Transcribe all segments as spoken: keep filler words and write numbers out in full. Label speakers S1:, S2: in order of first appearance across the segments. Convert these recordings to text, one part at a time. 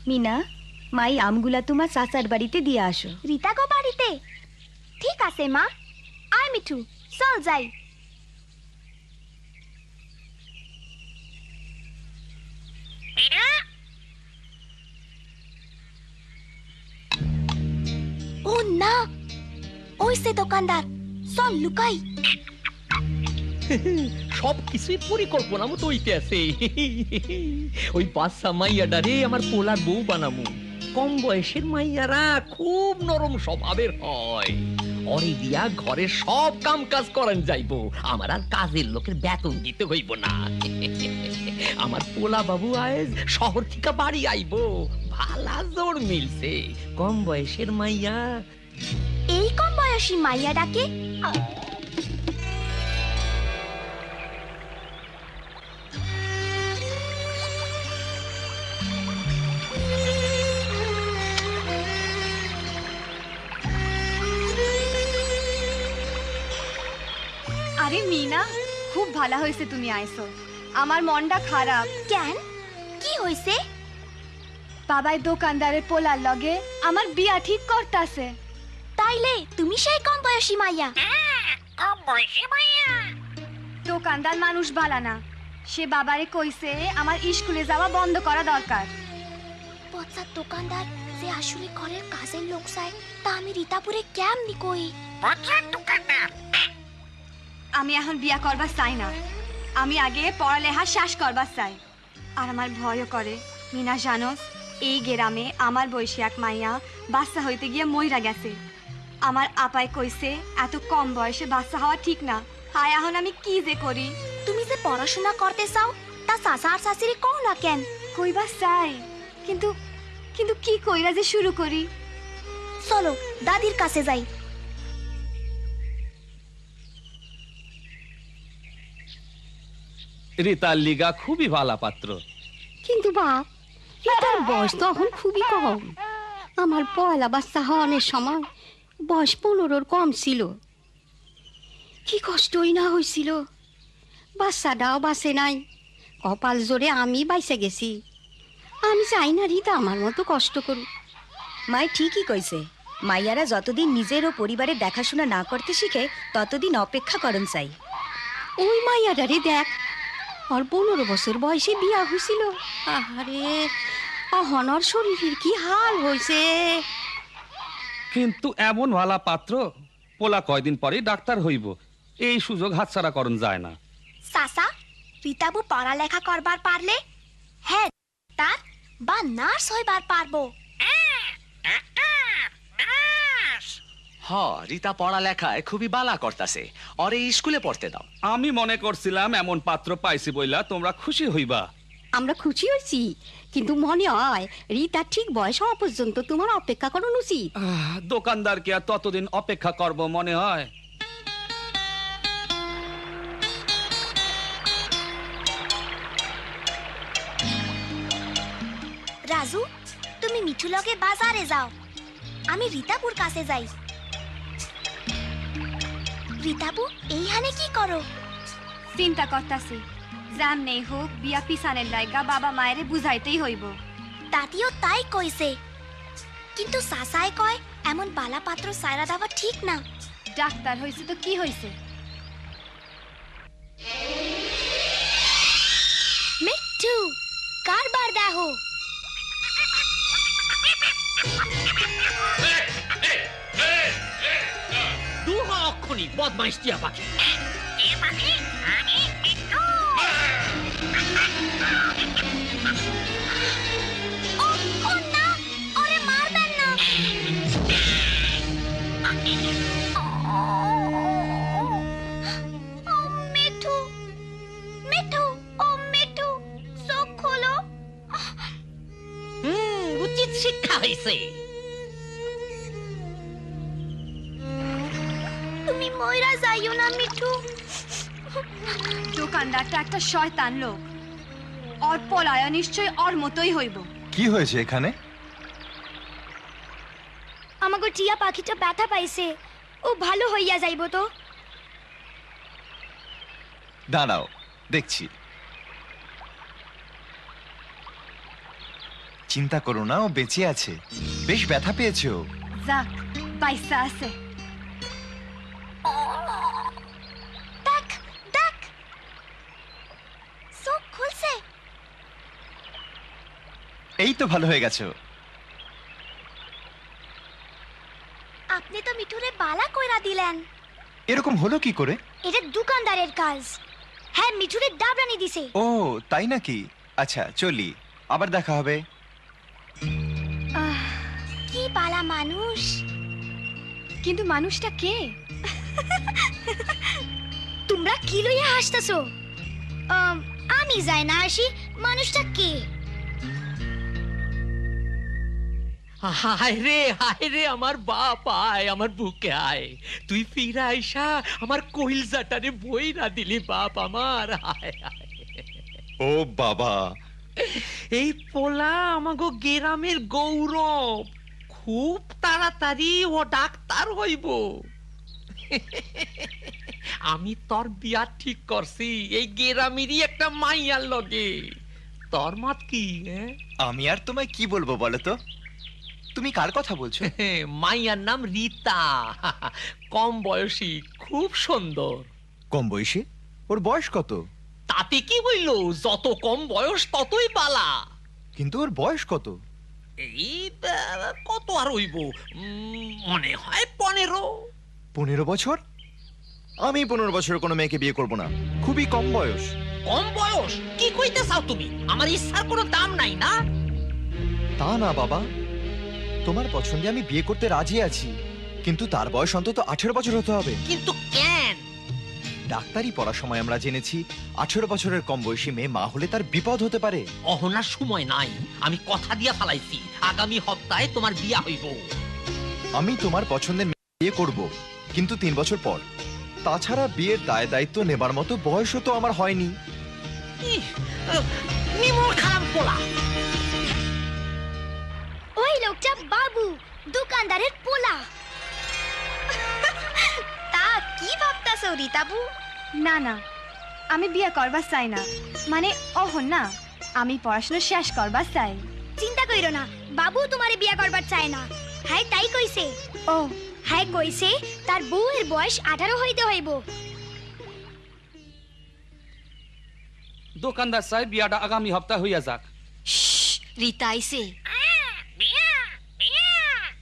S1: মিনা, মাই আমগুলা তোমার চাচার বাড়িতে দিয়ে আসো।
S2: রিতা গো বাড়িতে? ঠিক আছে মা। আয় মিঠু, চল যাই। ও না, ওই সে দোকানদার, চল লুকাই।
S3: সব কিছুই পরিকল্পনা মতো হইতে আছে। ওই বাচ্চা মাইয়াডারে আমার পোলার বউ বানামু। কম বয়সের মাইয়ারা খুব নরম স্বভাবের হয়। অরে দিয়া ঘরে সব কাম কাজ করেন যাইবো, আমার আর কাজের লোকের বেতন দিতে হইব না। আমার পোলা বাবু আজ শহর থেকে বাড়ি আইবো, ভালা জোর মিলছে। কম বয়সের মাইয়া।
S2: এই কম বয়সী মাইয়া ডাকে?
S1: আরে মিনা, খুব ভালো হয়েছে তুমি আইছো। আমার মনটা খারাপ।
S2: কেন, কি হইছে?
S1: বাবাই দোকানদারের পোলার লগে আমার বিয়া ঠিক করতাছে।
S2: তাইলে তুমি সেই কম বয়সী মাইয়া?
S4: কম বয়সী মাইয়া?
S1: দোকানদার মানুষ ভালো না, সে বাবারে কইছে আমার স্কুলে যাওয়া বন্ধ করা দরকার।
S2: পচার দোকানদার যে আসলে ঘরের কাজের লোক চায়, তা আমি রীতাপুরে কেমনি কই?
S4: পচার দোকানদার?
S1: আমি এখন বিয়া করবার চাই না, আমি আগে পড়ালেখা শেষ করবার চাই। আর আমার ভয়ও করে। মিনা জানোস, এই গ্রামে আমার বয়সী এক মাইয়া বাচ্চা হইতে গিয়ে মইরা গেছে। আমার আপাই কইছে এত কম বয়সে বাচ্চা হওয়া ঠিক না। হায়, এখন আমি কি যে করি?
S2: তুমি যে পড়াশোনা করতে চাও, তা চাচা আর চাচিরে কও না কেন?
S1: কইবা চাই, কিন্তু কিন্তু কি কইরা যে শুরু করি?
S2: চলো দাদির কাছে যাই।
S5: রিতার লিগা খুবই ভালো পাত্র।
S6: কিন্তু বাপ, রিতার বয়স তো এখন খুবই কম। আমার পয়লা বাচ্চা হওয়ার সময় বয়স পনেরোর কম ছিল। কি কষ্টই না হয়েছিল, বাচ্চাটাও বাঁচে নাই। কপাল জোরে আমি বাইসে গেছি। আমি চাই না রিতা আমার মতো কষ্ট করুক।
S1: মাই ঠিকই কইছে, মাইয়ারা যতদিন নিজের ও পরিবারের দেখাশোনা না করতে শিখে ততদিন অপেক্ষা করন চাই।
S6: ওই মাইয়াটারে দেখ, ওর পনেরো বছর বয়সে বিয়া হয়েছিল। আহারে, অহনর শরীরের কি হাল হয়েছে।
S5: কিন্তু এমন ভালা পাত্র, পোলা কয়দিন পরে ডাক্তার হইব, এই সুযোগ হাতছাড়া করন যায় না।
S2: চাচা, রীতাবু পড়ালেখা করবার পারলে হ্যাঁ তার বা নার্স হইবার পারবো।
S7: হ, রিতা পড়ালেখায় খুবই বালা করতাছে, ওরে স্কুলে পড়তে দাও।
S5: আমি মনে করছিলাম এমন পাত্র পাইছি বইলা তোমরা খুশি হইবা।
S6: আমরা খুশি হয়েছি, কিন্তু মনে হয় রিতা ঠিক বয়স হওয়া পর্যন্ত তোমার অপেক্ষা করানো উচিত।
S5: আহ, দোকানদারকে আর ততদিন অপেক্ষা করব মনে হয়?
S2: রাজু, তুমি মিঠু লগে বাজারে যাও, আমি রীতাপুর কাছে যাই। রীতাপু, এইখানে কি করো?
S1: চিন্তা করতাছি, জাম নেই হোক বিয়া পিছানের লাইগা বাবা মায়েরে বুঝাইতেই হইব।
S2: দাদিও তাই কইছে, কিন্তু সাসায় কয় এমন বালা পাত্র সায়রা দেওয়া ঠিক না।
S1: ডাক্তার হইছে তো কি হইছে?
S2: মিঠু, কারবার দেখো।
S3: দুহা অক্ষণি বদমাইশ টিয়া পাখি।
S4: এ পাখি? আমি মিঠু।
S2: ও, ও না, ওরে মারবেন না। ও মিঠু, মিঠু, ও মিঠু, চোখ খোলো।
S3: হুম, উচিত শিক্ষা হয়েছে।
S2: তুমি ময়রা যাইও না মিঠু।
S1: দোকানদারটা একটা শয়তান লোক, ওর পলায়া নিশ্চয় ওর মতোই হইব।
S8: কি হয়েছে এখানে?
S2: আমাকে টিয়া পাখিটা ব্যথা পাইছে, ও ভালো হইয়া যাইব তো।
S8: দাঁড়াও, দেখছি। চিন্তা করো না, ও বেঁচে আছে। বেশ ব্যথা পেয়েছে ও।
S1: যাক বাইসা আছে।
S2: দেখ দেখ, চোখ খুলছে।
S8: এই তো ভালো হয়ে গেছে ও।
S2: আপনি তো মিঠুরে বালা কইরা দিলেন।
S8: এরকম হলো কি করে?
S2: এটা দোকানদারের কাজ। হ্যাঁ, মিঠুরে ডাবরানি দিছে।
S8: ও তাই নাকি? আচ্ছা চলি, আবার দেখা হবে।
S1: আহ,
S2: কি বালা মানুষ।
S1: কিন্তু মানুষটা কে?
S2: তোমরা কি লইয়া হাসতেছো? আম, আমি যাই না আসি, মানুষটা কে?
S3: হায় রে হায় রে আমার বাপ, আয় আমার বুকে আয়। তুই ফিরা আইসা আমার কইলজাটারে বই না দিলি বাপ আমার। হায় হায়।
S8: ও বাবা,
S3: এই পোলা আমাগো গ্রামের গৌরব, খুব তাড়াতাড়ি ও ডাক্তার হইব। আমি তোর বিয়া ঠিক করছি এই গ্রামেরই একটা মাইয়ার লগে। তোর মত কি? হ্যাঁ,
S8: আমি আর তোমায় কি বলবো বলো তো? তুমি কার কথা বলছো?
S3: মাইয়ার নাম রীতা, কম বয়সী, খুব সুন্দর।
S8: কম বয়সী? ওর বয়স কত?
S3: তাতে কি হইল, যত কম বয়স ততই বালা।
S8: কিন্তু ওর বয়স কত?
S3: এই আহ, কত আর হইব, উম, মনে হয় পনেরো।
S8: পনেরো বছর? আমি পনেরো বছরের কোনো মেয়েকে বিয়ে করব না, খুবই কম বয়স।
S3: কম বয়স? কি কইতে চাও তুমি? আমার ইচ্ছার কোনো দাম নাই না?
S8: তা না বাবা, তোমার পছন্দে আমি বিয়ে করতে রাজি আছি, কিন্তু তার বয়স অন্তত আঠেরো বছর হতে হবে।
S3: কিন্তু কেন?
S8: ডাক্তারি পড়ার সময় আমরা জেনেছি আঠেরো বছরের কম বয়সী মেয়ে মা হলে তার বিপদ হতে পারে।
S3: অহনার সময় নাই, আমি কথা দিয়া ফালাইছি আগামী সপ্তাহে তোমার বিয়া হইব।
S8: আমি তোমার পছন্দের মেয়ে বিয়ে করব, কিন্তু তিন বছর পর। তাছাড়া বিয়ের দায় দায়িত্ব নেবার মতো বয়সও তো আমার হয়নি।
S3: ইহ, আহ, নিমর খারাপ পোলা।
S2: ওই লোকটা বাবু, দোকানদারের পোলা। তা কি ভাবতাছো রীতাবু?
S1: না না, আমি বিয়ে করবার চাই না। মানে অহন না, আমি পড়াশোনা শেষ করবার চাই।
S2: চিন্তা কইরো না, বাবু তোমারে বিয়া করবার চায় না। হ্যাঁ তাই কইছে।
S1: ও
S2: হ্যাঁ কইছে তার বউয়ের বয়স আঠারো হইতে হইব।
S5: দোকানদার সাহেব বিয়াটা আগামী সপ্তাহ হইয়া যাক।
S6: রীতা আইছে।
S4: বিয়া বিয়া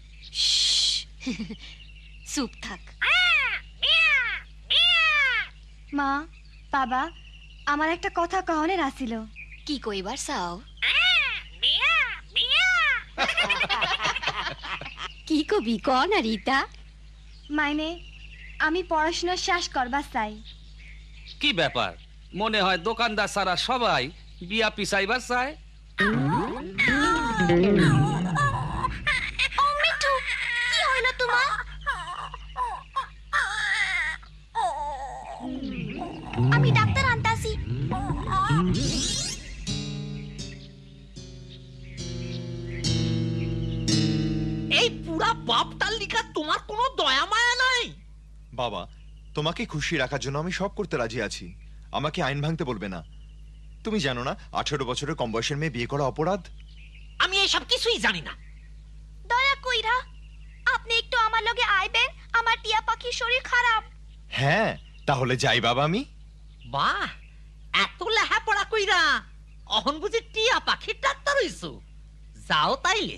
S6: চুপ থাক।
S4: বিয়া বিয়া
S1: মা, বাবা, আমার একটা কথা কহনের আসিল।
S6: কি কইবার চাও?
S4: বিয়া বিয়া
S6: কি কবি ক না রীতা?
S1: মাইনে আমি পড়াশোনা শেষ করবার চাই।
S5: কি ব্যাপার, মনে হয় দোকানদার সারা সবাই বিয়া পিছাইবার চায়।
S2: ও মিঠু, কি হইল তোমার? আমি ডাক্তার আনতাছি।
S3: এই পুরা বাপটার লিখা তোমার কোনো দয়া মায়া নাই?
S8: বাবা, তোমাকে খুশি রাখার জন্য আমি সব করতে রাজি আছি, আমাকে আইন ভাঙতে বলবে না। তুমি জানো না আঠেরো বছরের কম বয়সের মেয়ে বিয়ে করা অপরাধ?
S3: আমি এসব কিছুই জানি না।
S2: দয়া কইরা আপনি একটু আমার লগে আইবেন, আমার টিয়া পাখির শরীর খারাপ।
S8: হ্যাঁ তাহলে যাই বাবা আমি।
S3: বাহ, এত লেহাপড়া কইরা অহন বুঝি টিয়া পাখির ডাক্তার হইছো? যাও তাইলে।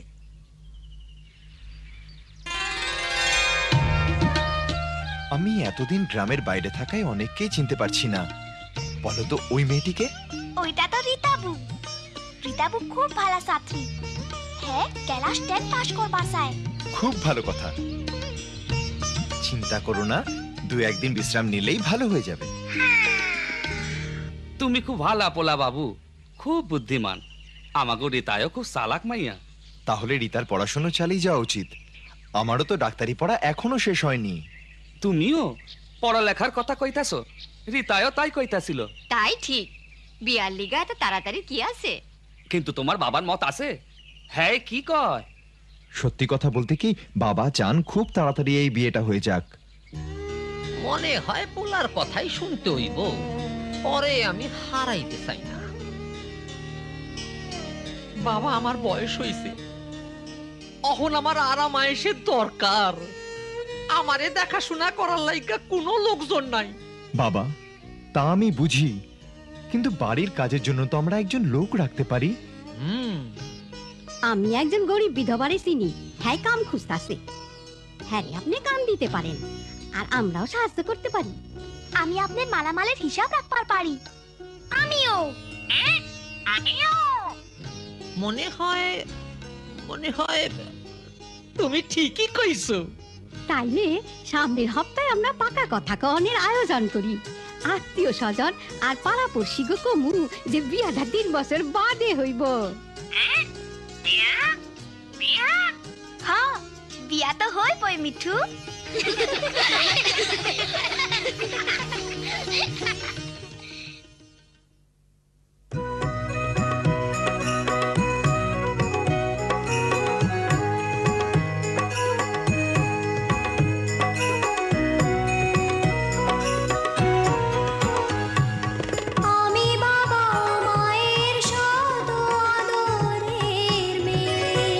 S8: আমি এতদিন গ্রামের বাইরে থাকায় অনেককেই চিনতে পারছি না। বলো তো ওই মেয়েটিকে?
S2: ওইটা তো রীতাবু। রীতাবু খুব ভালো ছাত্রী। হ্যাঁ, ক্লাস টেন পাস করবার চায়।
S8: খুব ভালো কথা। চিন্তা করো না, দু একদিন বিশ্রাম নিলেই ভালো হয়ে যাবে।
S5: তুমি খুব ভালা পোলা বাবু, খুব বুদ্ধিমান। আমাগো রীতায়ও খুব চালাক মাইয়া।
S8: তাহলে রীতার পড়াশোনা চালিয়ে যাওয়া উচিত। আমারও তো ডাক্তারি পড়া এখনো শেষ হয়নি।
S5: তুমিও পড়ালেখার কথা কইতাছো, রীতায়ও তাই কইতাছিল।
S6: তাই ঠিক, বিয়ার লিগা এত তাড়াতাড়ি কি আছে?
S5: কিন্তু তোমার বাবার মত আছে? হ্যাঁ কি কয়?
S8: সত্যি কথা বলতে কি, বাবা চান খুব তাড়াতাড়ি এই বিয়েটা হয়ে যাক।
S3: মনে হয় পোলার কথাই শুনতে হইব, পরে আমি হারাইতে চাই না। বাবা আমার বয়স হইছে, এখন আমার আরাম আয়েসের দরকার। আমারে দেখাশোনা করার লাইগা কোনো লোকজন নাই।
S8: বাবা, তা আমি বুঝি, কিন্তু বাড়ির কাজের জন্য তো আমরা একজন লোক রাখতে পারি।
S3: হুম,
S6: আমি একজন গরিব বিধবারে চিনি, হ্যাঁ কাম খুঁজতাছে। হ্যাঁ রে, আপনি কাম দিতে পারেন আর আমরাও সাহায্য করতে পারি।
S2: আমি আপনার মালামালের হিসাব রাখবার পারি। আমিও
S4: আমিও
S3: মনে হয় মনে হয় তুমি ঠিকই কইছো।
S6: তাইলে সামনের হপ্তাহে আমরা পাকা কথা কনের আয়োজন করি। আত্মীয় স্বজন আর পাড়াপড়শি গো কমু যে বিয়াটা তিন বছর বাদে হইব।
S4: বিয়া বিয়া
S2: হ্যাঁ, বিয়া তো হইবই মিঠু।
S9: আমি বাবা মায়ের শত আদরের মেয়ে,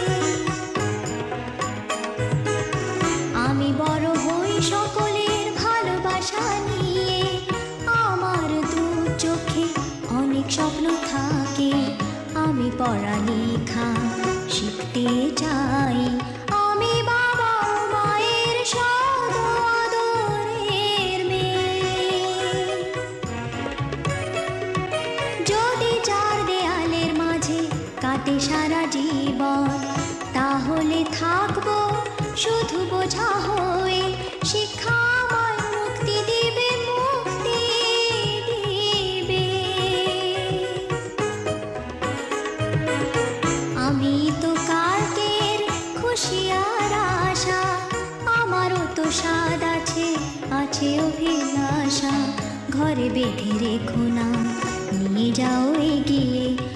S9: আমি বড় হই সকলের ভালোবাসা নিয়ে। আমার দু চোখে অনেক স্বপ্ন থাকে, আমি পড়ালেখা শিখতে চাই। আমি বাবা মায়ের শত আদরের মেয়ে, যদি চার দেয়ালের মাঝে কাটে সারা জীবন, তাহলে থাকবো শুধু বোঝা হয়ে। শিক্ষা আমায় মুক্তি দিবে, মুক্তি দিবে। আমি তো কালকের খুশি আর আশা, আমারও তো স্বাদ আছে, আছে অভিলাষা। ঘরে বেঁধে রেখো না, নিয়ে যাও এগিয়ে